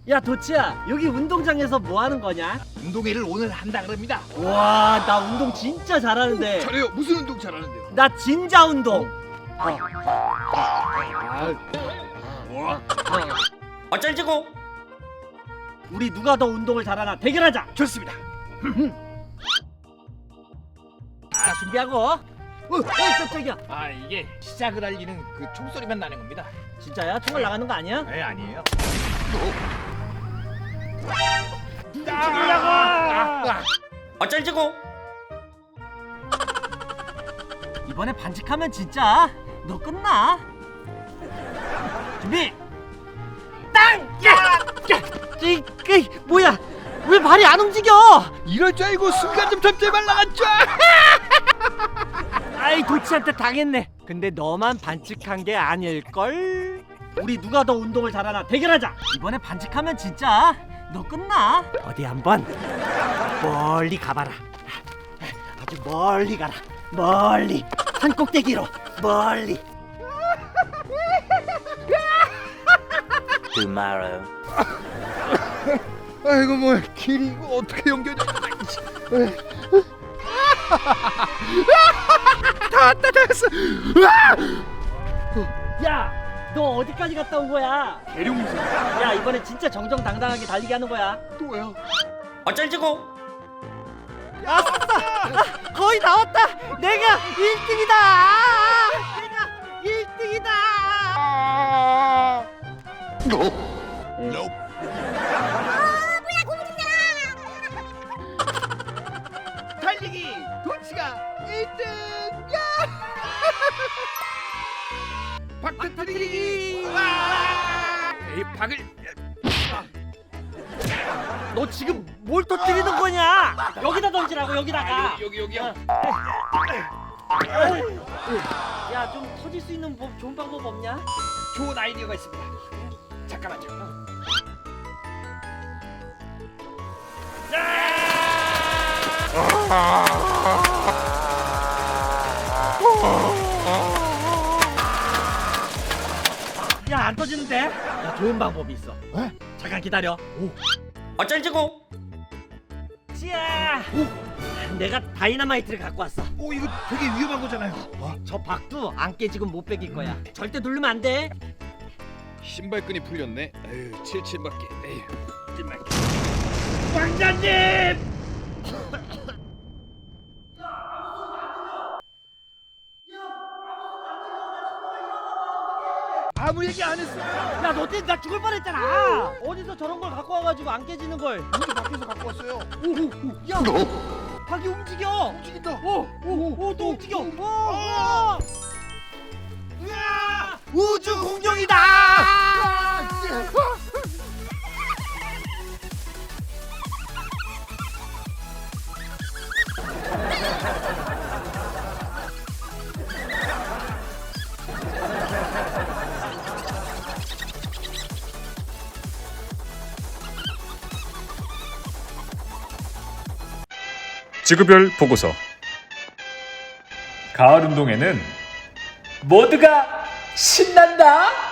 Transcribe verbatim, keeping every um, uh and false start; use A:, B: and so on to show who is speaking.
A: 야 도치야, 여기 운동장에서 뭐 하는 거냐?
B: 운동회를 오늘 한다 그럽니다.
A: 와, 나 운동 진짜 잘하는데.
B: 잘해요. 무슨 운동 잘하는데요?
A: 나 진자 운동.
B: 뭐?
C: 어쩔지고.
A: 우리 누가 더 운동을 잘하나 대결하자.
B: 좋습니다.
A: 자, 준비하고. 어, 어, 깜짝이야.
B: 아 이게 시작을 알리는 그 총소리만 나는 겁니다.
A: 진짜야? 총알 나가는 거 아니야?
B: 네 아니에요.
A: 죽이려고.
C: 어쩔지고.
A: 이번에 반칙하면 진짜 너 끝나. 준비. 땅! 야! 야! 이, 이, 뭐야? 왜 발이 안 움직여?
B: 이럴 줄 알고 순간 좀 탑재만 나갔죠.
A: 아이, 도치한테 당했네. 근데 너만 반칙한 게 아닐걸? 우리 누가 더 운동을 잘하나 대결하자. 이번에 반칙하면 진짜 너 끝나. 어디 한번 멀리 가봐라. 아주 멀리 가라. 멀리. 산 꼭대기로 멀리.
C: Tomorrow.
B: 아이고 뭐 길이 이거 어떻게 연결돼? 다 왔다 다 왔어.
A: 야, 너 어디까지 갔다 온 거야?
B: 대룡이죠.
A: 야, 이번에 진짜 정정당당하게 달리기 하는 거야.
B: 또요?
C: 어쩔지고.
A: 아싸! 아, 거의 다 왔다. 내가 일 등이다. 내가 일 등이다.
B: 달리기 도치가 일 등. 야! 박 터뜨리기. 이 박을
A: 너 지금 뭘 터뜨리는 거냐? 여기다 던지라고, 여기다가.
B: 여기 여기 여기요.
A: 야, 좀 터질 수 있는 법, 좋은 방법 없냐?
B: 좋은 아이디어가 있습니다. 잠깐만요.
A: 야, 안 터지는데? 야, 좋은 방법이 있어.
B: 에?
A: 잠깐 기다려.
C: 어쩔지고.
A: 찌야. 내가 다이너마이트를 갖고 왔어.
B: 오 이거 되게 위험한 거잖아요. 어?
A: 저 박도 안 깨지고 못 베길 거야. 절대 누르면 안 돼.
D: 신발끈이 풀렸네. 에휴, 칠칠맞게. 에휴, 찐맞게.
A: 왕자님!
B: 아무 얘기 안 했어요.
A: 야, 너 때문에 나 죽을 뻔했잖아. 어디서 저런 걸 갖고 와가지고 안 깨지는 걸.
B: 우리 밖에서 갖고 왔어요.
A: 야, 박이 움직여.
B: 움직인다.
A: 오, 오, 오, 또 움직여. 오, 오. 으아! 우주 공룡이다.
E: 지구별 보고서. 가을 운동회는 모두가 신난다.